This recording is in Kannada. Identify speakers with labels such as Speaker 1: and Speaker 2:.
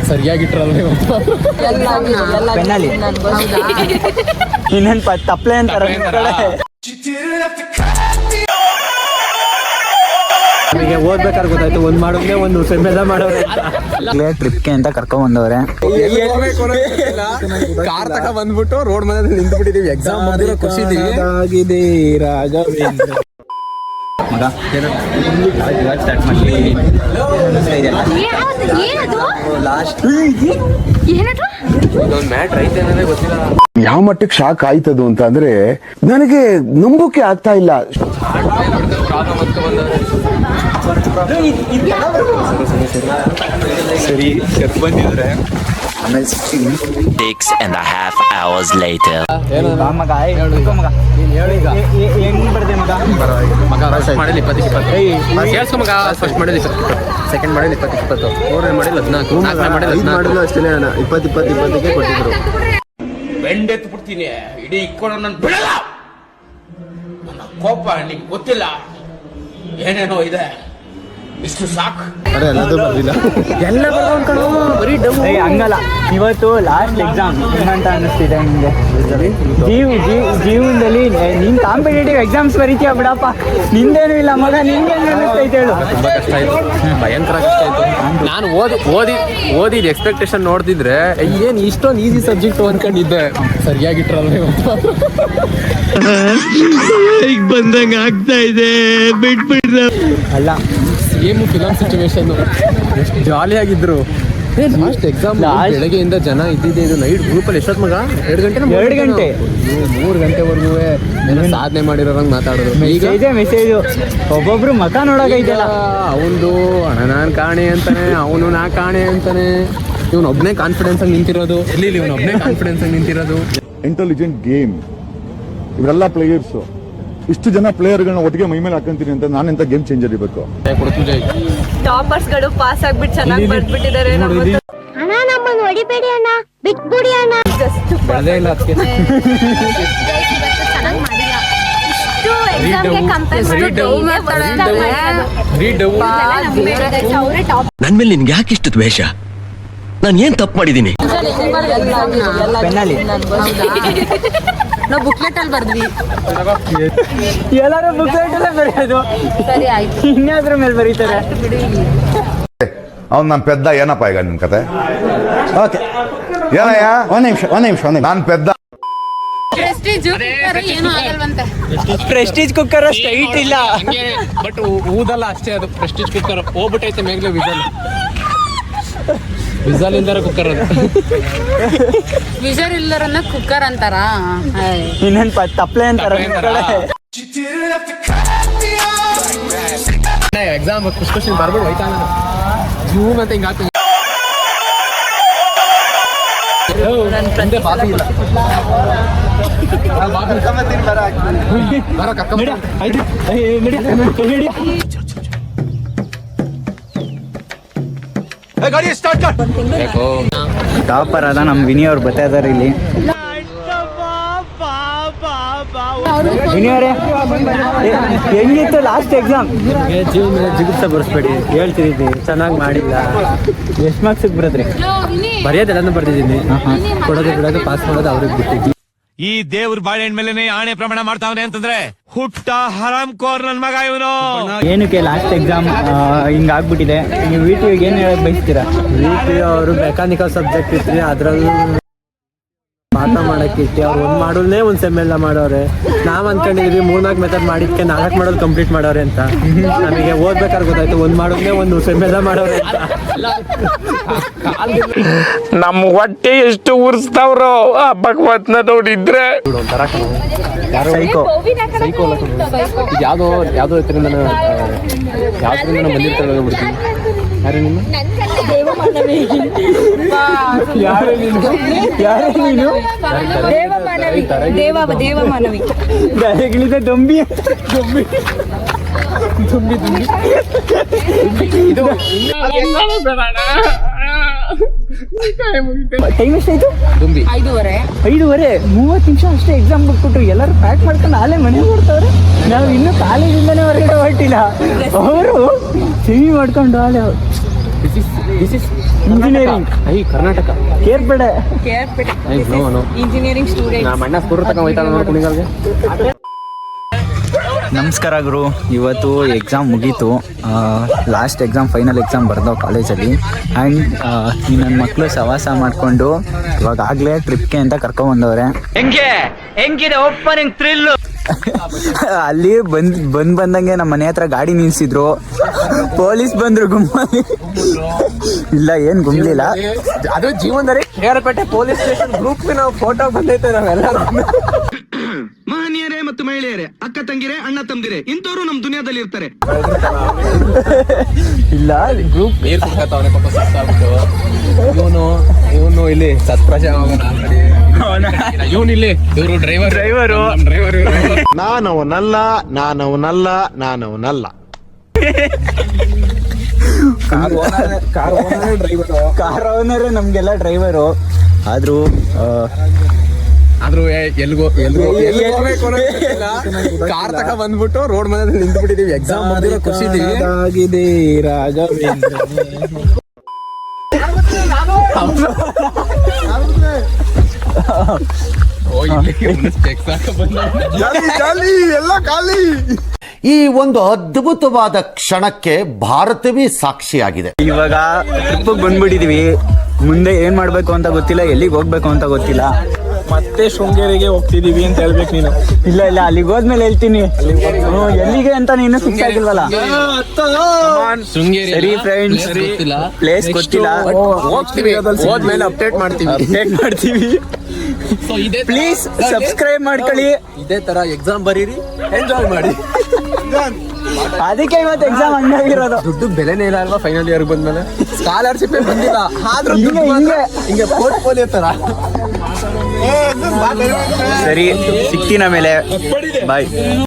Speaker 1: ಸರಿಯಾಗಿಟ್ರಲ್ಲ
Speaker 2: ಇನ್ನೇನು ತಪ್ಪಲೆ ಅಂತಾರ
Speaker 1: ನಮಗೆ ಓದ್ಬೇಕಾದ್ರೆ ಗೊತ್ತಾಯ್ತು ಒಂದ್ ಮಾಡೋದೇ ಒಂದು ಸೆಮ್ಮೆದ ಮಾಡೋರೆ
Speaker 2: ಟ್ರಿಪ್ಗೆ ಅಂತ ಕರ್ಕೊಂಡ್ ಬಂದವ್ರೆ.
Speaker 1: ಕಾರ್ ತಕ ಬಂದ್ಬಿಟ್ಟು ರೋಡ್ ಮೇಲೆ ನಿಂತು ಬಿಟ್ಟಿದೀವಿ. ಎಕ್ಸಾಮ್ ಮಾಡಿರೋ ಖುಷಿ ಆಗಿದೆ ರಾಘವೇಂದ್ರ
Speaker 2: ಮಗ ಸ್ಟಾರ್ಟ್ ಮಾಡಿ ಲಾಸ್ಟ್
Speaker 1: ಮ್ಯಾಟ್ ಐತೆ ಅನ್ನೋದೇ ಗೊತ್ತಿಲ್ಲ.
Speaker 3: ಯಾವ ಮಟ್ಟಕ್ಕೆ ಶಾಕ್ ಆಯ್ತದು ಅಂತ ಅಂದ್ರೆ ನನಗೆ ನಂಬೋಕೆ ಆಗ್ತಾ ಇಲ್ಲ.
Speaker 1: ಸರಿ ಬಂದಿದ್ರೆ
Speaker 2: ಆಮೇಲೆ
Speaker 4: 6.5 hours later.
Speaker 2: ಮಗ ಹೆಂಗ್ ಬರ್ದೆ ಮಗ
Speaker 1: ಮಗ ಫಸ್ಟ್ ಮಾಡಿಲ್ಲ 20 ಕೇಳಿಸ್ಕೊ ಮಗ. ಫಸ್ಟ್ ಮಾಡಿಲ್ಲ 20, ಸೆಕೆಂಡ್ ಮಾಡಿಲ್ಲ 20, ಮೂರನೇ ಮಾಡಿಲ್ಲ 14, ನಾಲ್ಕನೇ ಮಾಡಿಲ್ಲ 14
Speaker 3: ಅಷ್ಟೇ 20 ಕೊಟ್ಟಿದ್ರು.
Speaker 5: ಬೆಂಡೆತ್ತು ಬಿಡ್ತೀನಿ ಇಡೀ ಇಕ್ಕೊಂಡು ನನ್ನ ಬಿಡಲ್ಲ. ನನ್ನ ಕೋಪ ನಿಂಗೆ ಗೊತ್ತಿಲ್ಲ, ಏನೇನೋ ಇದೆ, ಇಷ್ಟು ಸಾಕು.
Speaker 1: ಎಲ್ಲ ಬರೀ
Speaker 2: ಹಂಗಲ್ಲ. ಇವತ್ತು ಲಾಸ್ಟ್ ಎಕ್ಸಾಮ್ ಏನಂತ ಅನ್ನಿಸ್ತಿದೆ ನಿಮ್ಗೆ? ಜೀವನದಲ್ಲಿ ನೀನ್ ಕಾಂಪಿಟೇಟಿವ್ ಎಕ್ಸಾಮ್ಸ್ ಬರೀತೀಯ ಬಿಡಪ್ಪ, ನಿಂದೇನು ಇಲ್ಲ ಮಗ. ನಿನ್ಗೆ ಅನ್ನಿಸ್ತೈತೆ ಹೇಳು?
Speaker 1: ತುಂಬಾ ಕಷ್ಟ ಆಯ್ತು, ಭಯಂಕರ ಕಷ್ಟ ಆಯ್ತು. ನಾನು ಓದಿದ ಎಕ್ಸ್ಪೆಕ್ಟೇಷನ್ ನೋಡ್ತಿದ್ರೆ ಏನ್ ಇಷ್ಟೊಂದು ಈಸಿ ಸಬ್ಜೆಕ್ಟ್ ಅನ್ಕೊಂಡಿದ್ದೆ. ಸರಿಯಾಗಿಟ್ರಲ್ಲ ಈಗ ಬಂದಂಗ ಆಗ್ತಾ ಇದೆ. ಬಿಟ್ಬಿಟ್ರೆ
Speaker 2: ಅಲ್ಲ,
Speaker 1: ಸೇಮ್ ಫಿಲಮ್ ಸಿಚುವೇಶನ್. ಎಷ್ಟು ಜಾಲಿಯಾಗಿದ್ರು. ಲಾಸ್ಟ್ ಎಕ್ಸಾಮ್ ಬೆಳಗ್ಗೆಯಿಂದ ಜನ ಇದ್ದಿದ್ದೆ. ಇದು ನೈಟ್ ಗ್ರೂಪಲ್ಲಿ ಎಷ್ಟೊತ್ತು ಮಗ? 2 ಗಂಟೆ
Speaker 2: 2 ಗಂಟೆ
Speaker 1: 3 ಗಂಟೆವರೆಗೂ ಸಾಧನೆ ಮಾಡಿರೋರಂಗ್ ಮಾತಾಡೋದು. ಈಗ
Speaker 2: ಮೆಸೇಜ್ ಒಬ್ಬೊಬ್ರು ಮಕ ನೋಡೋಕೈತಲ್ಲ.
Speaker 1: ಅವನು ಅಣ್ಣ ನಾನ್ ಕಾಣೆ ಅಂತಾನೆ, ಅವನು ನಾ ಕಾಣೆ ಅಂತಾನೆ. ಇವನೊಬ್ನೇ ಕಾನ್ಫಿಡೆನ್ಸ್ ಆಗಿ ನಿಂತಿರೋದು. ಇವನೊಬ್ನೇ ಕಾನ್ಫಿಡೆನ್ಸ್ ಆಗಿ ನಿಂತಿರೋದು.
Speaker 3: Intelligent game. ಇವರೆಲ್ಲ ಪ್ಲೇಯರ್ಸ್, ಇಷ್ಟು ಜನ ಪ್ಲೇಯರ್ಗಳನ್ನ ಒಟ್ಟಿಗೆ ಮೈ ಮೇಲೆ ಹಾಕಂತೀನಿ ಅಂತ ನಾನೆಂತ ಗೇಮ್ ಚೇಂಜರ್ ಇರಬೇಕು.
Speaker 6: ಟಾಪರ್ಸ್ ಗಳು ಪಾಸ್ ಆಗ್ಬಿಟ್ಟು ಚೆನ್ನಾಗಿ ಬರ್ಬಿಟ್ಟಿದ್ದಾರೆ.
Speaker 7: ಅಣ್ಣ ನಮ್ಮನ್ನು ಹೊಡಿಬೇಡಿ ಅಣ್ಣ, ಬಿಟ್ಬಿಡಿ ಅಣ್ಣ.
Speaker 1: ಬೆಳೆದೇ ಇಲ್ಲ ಅದಕ್ಕೆ.
Speaker 4: ನನ್ ಮೇಲೆ ನಿನ್ಗೆ ಯಾಕೆ ಇಷ್ಟು ದ್ವೇಷ? ನಾನು ಏನ್ ತಪ್ಪು ಮಾಡಿದೀನಿ?
Speaker 2: ಪೆನ್ನಲ್ಲಿ
Speaker 6: ನಾವು ಬುಕ್ಲೆಟ್ ಅಲ್ಲಿ ಬರ್ದ್ವಿ.
Speaker 2: ಎಲ್ಲರೂ ಬುಕ್ಲೆಟ್ ಅಲ್ಲೇ ಬರೆಯೋದು.
Speaker 6: ಸರಿ ಆಯ್ತು,
Speaker 2: ಇನ್ಯಾದ್ರ ಮೇಲೆ ಬರೀತಾರೆ.
Speaker 3: ಅವ್ನು ನನ್ನ ಪೆದ್ದ. ಏನಪ್ಪ ಈಗ ನಿನ್ ಕತೆ?
Speaker 2: ಓಕೆ,
Speaker 3: ಏನಯ್ಯ?
Speaker 2: ಒಂದ್ ನಿಮಿಷ
Speaker 3: ನಾನು ಪೆದ್ದ.
Speaker 2: ಪ್ರೆಸ್ಟೀಜ್ ಕುಕ್ಕರ್ ಸ್ಟ್ರೈಟ್ ಇಲ್ಲ,
Speaker 1: ಬಟ್ ಊದಲ್ಲ ಅಷ್ಟೇ. ಅದು ಪ್ರೆಸ್ಟೀಜ್ ಕುಕ್ಕರ್ ಹೋಗ್ಬಿಟ್ಟೈತೆ ಮೇಗ್ಲೆ. ವಿಸಲ್ ಇಲ್ದಾರ ಕುಕ್ಕರ್ ಅದು.
Speaker 6: ವಿಜರ್ ಇಲ್ಲರನ್ನ ಕುಕ್ಕರ್ ಅಂತಾರ.
Speaker 2: ಇನ್ನೇನ್ ತಪ್ಪಲೆ ಅಂತಾರ.
Speaker 1: ಎಕ್ಸಾಮ್ ಕ್ವಶನ್ ಬರ್ಬಿಟ್ಟು ಹೋಯ್ತಾ ಜೂಮ್ ಅಂತ ಹಿಂಗ ಆಗ್ತದೆ. ಬಾಬಿ ಇಲ್ಲ
Speaker 2: ಟಾಪರ್ ಅದ ನಮ್ ವಿನಿ ಅವ್ರು ಬರ್ತಾ ಇದಾರೆ ಇಲ್ಲಿ. ವಿನಿ ಅವರೇ, ಹೆಂಗಿತ್ತು ಲಾಸ್ಟ್ ಎಕ್ಸಾಮ್?
Speaker 1: ಜೀವನ ಜಿಗುಪ್ಸ ಬರ್ಸ್ಬೇಡಿ, ಹೇಳ್ತಿದ್ದೀನಿ ಚೆನ್ನಾಗಿ ಮಾಡಿಲ್ಲ.
Speaker 2: ಎಷ್ಟು ಮಾರ್ಕ್ಸ್ ಬರೋದ್ರಿ?
Speaker 1: ಬರೆಯೋದೆಲ್ಲ ಬರ್ದಿದ್ದೀನಿ. ಕೊಡೋದು ಬಿಡೋದು ಪಾಸ್ ಮಾಡೋದು ಅವ್ರಿಗೆ ಬಿಟ್ಟಿದ್ವಿ.
Speaker 8: ಈ ದೇವ್ರ ಬಾಳೆಹಣ್ಣು ಮೇಲೆ ಆಣೆ ಪ್ರಮಾಣ ಮಾಡ್ತಾವ್ರೆ ಅಂತಂದ್ರೆ ಹುಟ್ಟ ಹರಾಮ್ ಕೋರ್ ನನ್ ಮಗ ಇವನು.
Speaker 2: ಏನಕ್ಕೆ ಲಾಸ್ಟ್ ಎಕ್ಸಾಮ್ ಹಿಂಗ ಆಗ್ಬಿಟ್ಟಿದೆ? ನೀವು VTಗೆ ಏನ್ ಹೇಳಕ್ ಬಯಸ್ತೀರಾ?
Speaker 1: VT ಅವರು ಮೆಕ್ಯಾನಿಕಲ್ ಸಬ್ಜೆಕ್ಟ್ ಇತ್ತು, ಅದ್ರಲ್ಲಿ ಪಾಠ ಮಾಡಕ್ಕೆ ಇಟ್ಟು ಅವ್ರು ಒಂದ್ ಮಾಡೋದೇ ಒಂದ್ ಸೆಮ್ ಎಲ್ಲ ಮಾಡೋರೆ. ನಾವ್ ಅನ್ಕೊಂಡಿದೀವಿ 3-4 ಮೆಥಡ್ ಮಾಡಿದ್ಕೆ 4 ಮಾಡೋದು ಕಂಪ್ಲೀಟ್ ಮಾಡೋರೆ ಅಂತ. ನಮಗೆ ಓದ್ಬೇಕಾದ್ರೆ ಗೊತ್ತಾಯ್ತು ಒಂದ್ ಮಾಡೋದೇ ಒಂದು ಸೆಮ್ ಎಲ್ಲ ಮಾಡೋರೆ ಅಂತ.
Speaker 8: ನಮ್ ಹೊಟ್ಟೆ ಎಷ್ಟು ಉರ್ಸ್ತಾವ್ರೋ ಆ ಭಗವತ್ನ ನೋಡಿದ್ರೆ.
Speaker 1: ಒಂಥರ
Speaker 2: ಸೈಕೋ
Speaker 1: ಯಾವ್ದೋ ಹೆಸರಿಂದ ಬಂದಿರ್ತಾರೆ ಬಿಡ್ತೀವಿ. ಯಾರು ನಿಮ್ಮ
Speaker 2: ಯಾರು ನೀನು?
Speaker 6: ದೇವಮಾನವಿ
Speaker 2: ದಯಗಳಿದೆ ದೊಂಬಿ
Speaker 1: ಇದು
Speaker 2: ಟೈಮ್ ಎಷ್ಟಾಯ್ತು?
Speaker 1: ದುಂಬಿ
Speaker 6: 5:30.
Speaker 2: 5:30. 30 ನಿಮಿಷ ಅಷ್ಟೇ ಎಕ್ಸಾಮ್ ಬಿಟ್ಬಿಟ್ರು. ಎಲ್ಲರೂ ಪ್ಯಾಕ್ ಮಾಡ್ಕೊಂಡು ನಾಳೆ ಮನೆಗೆ ಹೊಡ್ತವ್ರೆ. ನಾವು ಇನ್ನೂ ಕಾಲೇಜಿಂದನೇ ಹೊರಗಡೆ ಹೊರಟಿಲ್ಲ. ಅವರು ಸಿಹಿ ಮಾಡ್ಕೊಂಡು ಹಾಳೆ.
Speaker 1: This is
Speaker 2: engineering
Speaker 1: Karnataka
Speaker 2: Kerpete.
Speaker 6: Engineering student.
Speaker 1: ನಮ್ಮ ಅಣ್ಣ ಸ್ಕೂಟರ್ ತಗೊಂಡ್ ಹೋಯ್ತಾನ ನೋಡಿ ಕುಣಿಗಲ್ಗೆ.
Speaker 2: ನಮಸ್ಕಾರ ಗುರು. ಇವತ್ತು ಎಕ್ಸಾಮ್ ಮುಗೀತು. ಲಾಸ್ಟ್ ಎಕ್ಸಾಮ್, ಫೈನಲ್ ಎಕ್ಸಾಮ್ ಬರ್ದವು ಕಾಲೇಜಲ್ಲಿ. ಆ್ಯಂಡ್ ಈ ನನ್ನ ಮಕ್ಕಳು ಸವಾಸ ಮಾಡಿಕೊಂಡು ಇವಾಗ ಆಗಲೇ ಟ್ರಿಪ್ಗೆ ಅಂತ ಕರ್ಕೊಂಬಂದವ್ರೆ. ಹೆಂಗಿದೆ ಓಪನಿಂಗ್ ಥ್ರಿಲ್ಲು. ಅಲ್ಲಿ ಬಂದಂಗೆ ನಮ್ಮ ಮನೆ ಹತ್ರ ಗಾಡಿ ನಿಲ್ಸಿದ್ರು, ಪೊಲೀಸ್ ಬಂದ್ರು ಗುಮ್ಮಲ್ಲಿ. ಇಲ್ಲ ಏನು ಗುಮ್ಲಿಲ್ಲ,
Speaker 1: ಅದು ಜೀವನದಲ್ಲಿ ಕೇರಪೇಟೆ ಪೊಲೀಸ್ ಸ್ಟೇಷನ್ ಗ್ರೂಪ್ ನಾವು ಫೋಟೋ ಬಂದೈತೆ ನಾವೆಲ್ಲ.
Speaker 4: ಮಹನೀಯರೇ ಮತ್ತು ಮಹಿಳೆಯರೇ, ಅಕ್ಕ ತಂಗಿರೇ, ಅಣ್ಣ ತಮ್ಮದಿರೇ, ಇಂಥವ್ರು ನಮ್ ದುನಿಯಾದಲ್ಲಿ ಇರ್ತಾರೆ.
Speaker 2: ಇಲ್ಲ ಗ್ರೂಪ್
Speaker 1: ನೀರು ಸಿಕ್ಕತ್ತವನೆ ಪಾಪ ಸುಸ್ತಾಗ್ಬಿಟ್ಟು. ಇವನು ಇಲ್ಲಿ ಸತ್ಪ್ರಜ ಇವನು ಇಲ್ಲಿ ಇವರು ಡ್ರೈವರು.
Speaker 9: ನಾನವನಲ್ಲ.
Speaker 2: ಕಾರ್ ಓನರೇ ನಮ್ಗೆಲ್ಲ ಡ್ರೈವರು. ಆದ್ರೂ
Speaker 1: ಎಲ್ಗೋ ಕಾರ್ ತಕ ಬಂದ್ಬಿಟ್ಟು ರೋಡ್ ಮೇಲೆ ನಿಂತು ಬಿಟ್ಟಿದೀವಿ. ಎಕ್ಸಾಮ್ ಖುಷಿದೆ ರಾಘವೇಂದ್ರ.
Speaker 9: ಈ ಒಂದು ಅದ್ಭುತವಾದ ಕ್ಷಣಕ್ಕೆ ಭಾರತವೇ ಸಾಕ್ಷಿಯಾಗಿದೆ.
Speaker 2: ಇವಾಗ ಟ್ರಿಪ್ಪಿಗೆ ಬಂದ್ಬಿಟ್ಟಿದೀವಿ. ಮುಂದೆ ಏನ್ ಮಾಡ್ಬೇಕು ಅಂತ ಗೊತ್ತಿಲ್ಲ, ಎಲ್ಲಿಗೆ ಹೋಗ್ಬೇಕು ಅಂತ ಗೊತ್ತಿಲ್ಲ.
Speaker 1: ಮತ್ತೆ ಶೃಂಗೇರಿಗೆ ಹೋಗ್ತಿದೀವಿ ಅಂತ ಹೇಳ್ಬೇಕು ನೀನು.
Speaker 2: ಇಲ್ಲ ಅಲ್ಲಿಗೆ ಹೋದ್ಮೇಲೆ ಹೇಳ್ತೀನಿ. ಎಲ್ಲಿಗೆ ಅಂತ ನೀನು ಫಿಕ್ಸ್ ಆಗಿಲ್ವಲ್ಲ. ಸರಿ ಫ್ರೆಂಡ್ಸ್, ಪ್ಲೇಸ್ ಗೊತ್ತಿಲ್ಲ,
Speaker 1: ಹೋಗ್ತೀವಿ. ಹೋದ್ಮೇಲೆ ಅಪ್ಡೇಟ್ ಮಾಡ್ತೀವಿ.
Speaker 2: ಪ್ಲೀಸ್ ಸಬ್ಸ್ಕ್ರೈಬ್ ಮಾಡ್ಕೊಳ್ಳಿ.
Speaker 1: ಇದೇ ತರ ಎಕ್ಸಾಮ್ ಬರೀರಿ, ಎಂಜಾಯ್ ಮಾಡಿ.
Speaker 2: ಅದಕ್ಕೆ ಇವತ್ತು ಎಕ್ಸಾಮ್ ಹಂಗಾಗಿರೋದು.
Speaker 1: ದುಡ್ಡು ಬೆಲೆನೇ ಇಲ್ಲ ಅಲ್ವಾ ಫೈನಲ್ ಇಯರ್ ಬಂದ್ಮೇಲೆ. ಸ್ಕಾಲರ್ಶಿಪ್ ಬಂದಿಲ್ಲ, ಆದ್ರೂ ಹಿಂಗೆ ಪೋರ್ಟ್ಫೋಲಿಯೋ ತರ.
Speaker 2: ಸರಿ, ಸಿಗ್ತೀನಿ ಆಮೇಲೆ. ಬಾಯ್.